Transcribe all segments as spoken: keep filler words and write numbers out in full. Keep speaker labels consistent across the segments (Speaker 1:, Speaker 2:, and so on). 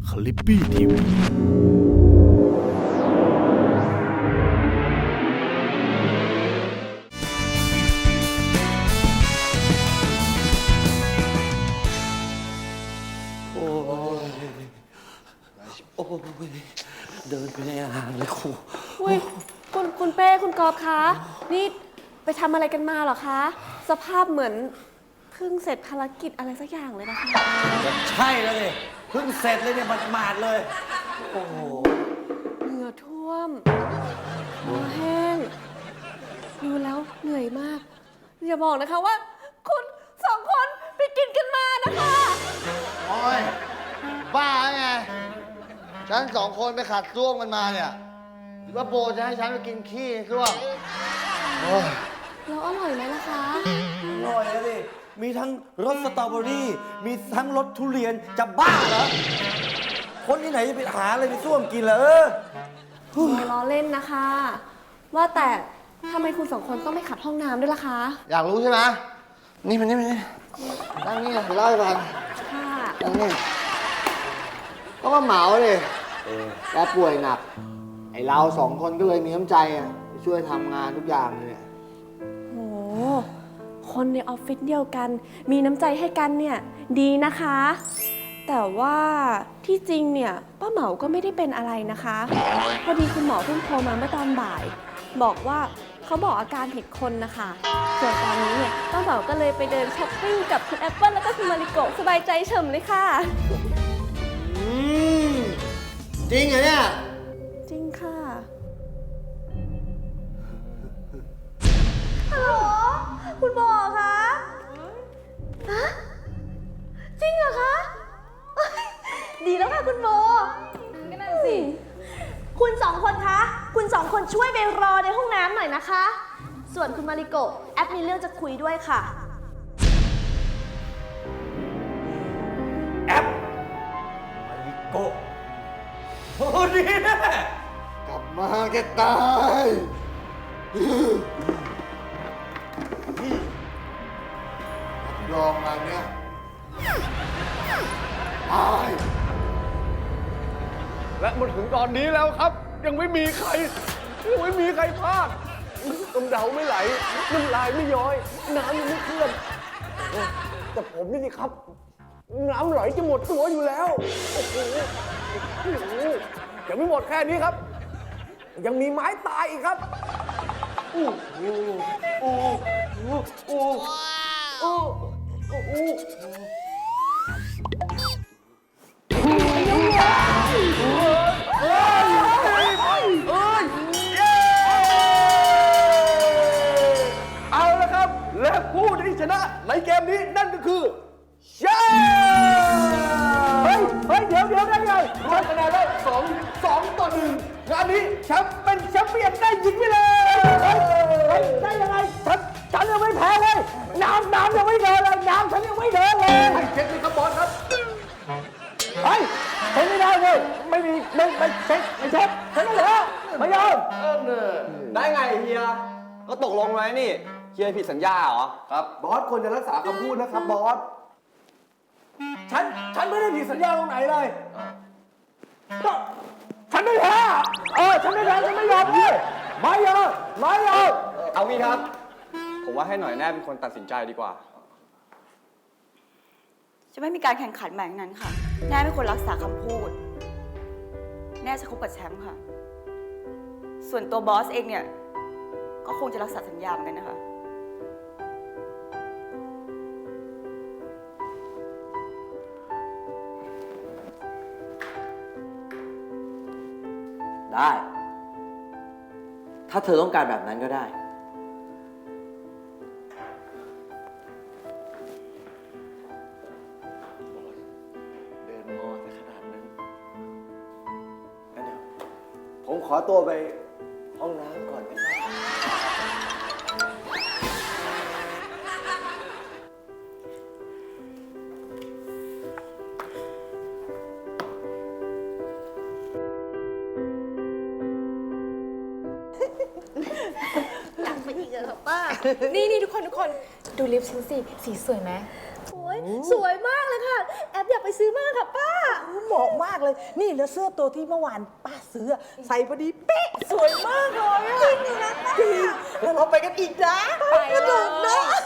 Speaker 1: คลิปปี้ทีวี
Speaker 2: โอ้ยโอ้ยเดินไปในอ่างเลยครู
Speaker 3: อุ้ยคุณคุณเป้คุณกอบคะนี่ไปทำอะไรกันมาเหรอคะสภาพเหมือนเพิ่งเสร็จภารกิจอะไรสักอย่างเลยนะคะ
Speaker 2: ใช่แล้วเลยเพิ่งเสร็จเลยเนี่ยหมาดๆเลยโอ้โห
Speaker 3: เหงื่อท่วมตัวแห้งดูแล้วเหนื่อยมากอย่าบอกนะคะว่า คุณสองคนไปกินกันมานะคะ
Speaker 4: โอ้ยบ้าไงฉันสองคนไปขัดซ่วมกันมาเนี่ยหรือว่าโบจะให้ฉันไปกินขี้ในซ่วมโอ้ย
Speaker 3: แล้วอร่อยไหมล่ะคะ
Speaker 2: อร่อยแล้วดิมีทั้งรสสตรอเบอรี่มีทั้งรสทุเรียนจะบ้าเหรอคนที่ไหนจะไปหาอะไรไปซ่วมกินเหรอเออ
Speaker 3: ล้อเล่นนะคะ ว่าแต่ทำไมคุณสองคนต้องไม่ขัดห้องน้ำด้วยล่ะคะ
Speaker 4: อยากรู้ใช่ไหมนี่มันนี่มันนี่นั่งนี่นะเดี๋ยวเล่าให้ฟัง
Speaker 3: ค่ะ
Speaker 4: นั่งนี่ก็มาเหมาเลยแกป่วยหนัก ไอเราสองคนก็เลยมีน้ำใจอ่ะไปช่วยทำงานทุกอย่างเลยเนี่ย
Speaker 3: โหคนในออฟฟิศเดียวกัน มีน้ำใจให้กันเนี่ยดีนะคะ แต่ว่าที่จริงเนี่ยป้าเหมาก็ไม่ได้เป็นอะไรนะคะพอดีคุณหมอเพิ่งโทรมาเมื่อตอนบ่าย บอกว่าเขาบอกอาการผิดคนนะคะส่วนตอนนี้เนี่ยป้าเหมาก็เลยไปเดินช้อปปิ้งกับคุณแอปเปิลแล้วก็คุณมาริโกะสบายใจเฉมเลยค่ะ
Speaker 4: อืมจริงเหรอเนี่ย
Speaker 3: จริงค่ะฮัลโหลคุณหมอคะฮะจริงเหรอคะเอ้ยดีแล้วค่ะคุณโบก็นั่นสิ
Speaker 5: คุณสองคนคะ คุณสองคนช่วยไปรอในห้องน้ำหน่อยนะคะ ส่วนคุณมาริโกะแอปมีเรื่องจะคุยด้วยค่ะ
Speaker 2: แอปมาริโกะโอ้ดีแน่
Speaker 4: กลับมาแกตายรับรองงานเนี้ยตาย
Speaker 6: และมาถึงตอนนี้แล้วครับ ยังไม่มีใครยังไม่มีใครพลาดน้ำเดาไม่ไหลน้ำลายไม่ย้อยน้ำยังไม่เคลื่อนโอ้แต่ผมนี่สิครับ น้ำไหลจะหมดตัวอยู่แล้วโอ้โหโอ้โหยังไม่หมดแค่นี้ครับ ยังมีไม้ตายอีกครับอู้อู้อู้อู้อู้อู้อู้ เอาละครับ และผู้ที่ชนะในเกมนี้นั่นก็คือแชมป์เฮ้ย เฮ้ย เดี๋ยวเดี๋ยวได้ไงรวมคะแนนแล้วสองสองต่อหนึ่งงานนี้แชมป์เป็นแชมป์เปี้ยนได้ยิงไปเลยเฮ้ยเฮ้ยได้ยังไงฉันฉันยังไม่แพ้เลย น้ำน้ำยังไม่เดินเลย น้ำฉันยังไม่เดินเลยให้เช็คเลยครับบอสครับ เฮ้ยเช็คไม่ได้เลยไม่มีไม่ไม่เช็คไม่เช็คเช็คไม่เหรอไม่ยอม
Speaker 7: ได้ไงเฮีย ก็ตกลงไว้นี่ เฮียผิดสัญญาเหรอ
Speaker 6: ครับบอสควรจะรักษาคำพูดนะครับบอส ฉัน ฉันไม่ได้ผิดสัญญาตรงไหนเลยก็ฉันไม่แพ้เออ ฉันไม่แพ้ฉันไม่ยอมพี่ไม่ยอมไม่ยอม
Speaker 7: เอางี้ครับ ผมว่าให้หน่อยแน่เป็นคนตัดสินใจดีกว่า
Speaker 8: จะไม่มีการแข่งขันแบบนั้นค่ะ แน่เป็นคนรักษาคำพูด แน่จะคบกับแชมป์ค่ะ ส่วนตัวบอสเองเนี่ย ก็คงจะรักษาสัญญาเหมือนกันนะคะ
Speaker 2: ได้ ถ้าเธอต้องการแบบนั้นก็ได้ เดินงอซะขนาดนั้นงั้นเดี๋ยวผมขอตัวไปห้องน้ำก่อนนะครับ
Speaker 5: นี่นี่ทุกคนทุกคนดูลิปฉันสิ สีสวยไหมโอ้ยสวยมากเลยค่ะ แอปอยากไปซื้อมากค่ะป้า
Speaker 3: ม
Speaker 1: เหมาะมากเลย นี่แล้วเสื้อตัวที่เมื่อวานป้าซื้ออะใส่พอดีเป๊ะสวยมากเลยอะจริงนะจริงแล้วเราไปกันอีกนะไปสนุกนะ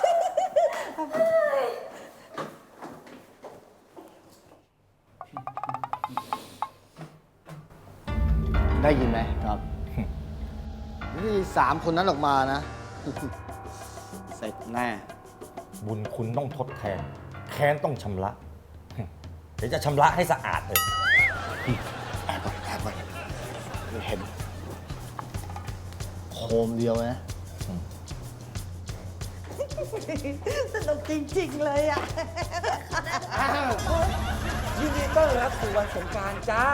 Speaker 4: ได้ยินไหมครับ นี่สามคนนั้นออกมานะ
Speaker 2: เสร็จแน่
Speaker 9: บุญคุณต้องทดแทน แค้นต้องชำระ เดี๋ยวจะชำระให้สะอาดเลย
Speaker 4: แอบก่อนแอบก่อนไม่เห็น โคมเดียวนะ
Speaker 1: สนุกจริงๆเลยอ่ะ
Speaker 6: ยินดีต้อนรับสู่วันสงกรานต์จ้า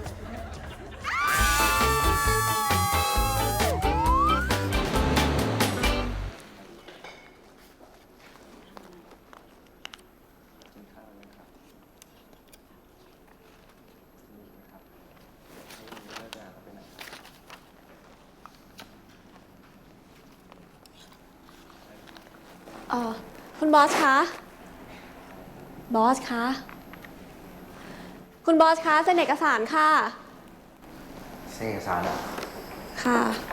Speaker 3: เออคุณบอสคะ บอสคะ คุณบอสคะเซ็นเอกสารค่ะ
Speaker 2: เซ็นเอกสารอะ
Speaker 3: ค่ะ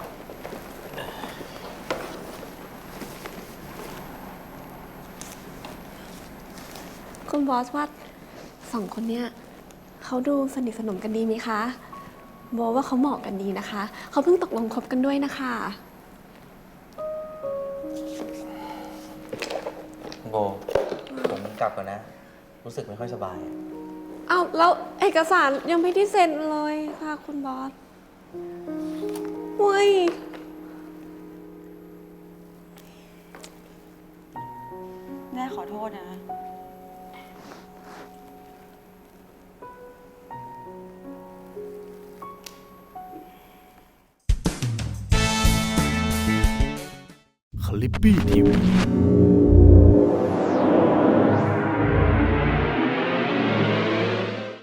Speaker 3: คุณบอสว่าสองคนเนี้ยเขาดูสนิทสนมกันดีไหมคะโบว่าเขาเหมาะกันดีนะคะ เขาเพิ่งตกลงคบกันด้วยนะคะ
Speaker 7: โบ ผมกลับก่อนนะ รู้สึกไม่ค่อยสบาย
Speaker 3: เอาแล้วเอกสารยังไม่ได้เซ็นเลยค่ะคุณบอสเว้ย
Speaker 8: แม่ขอโทษนะ
Speaker 10: คลิปปี้ทีวี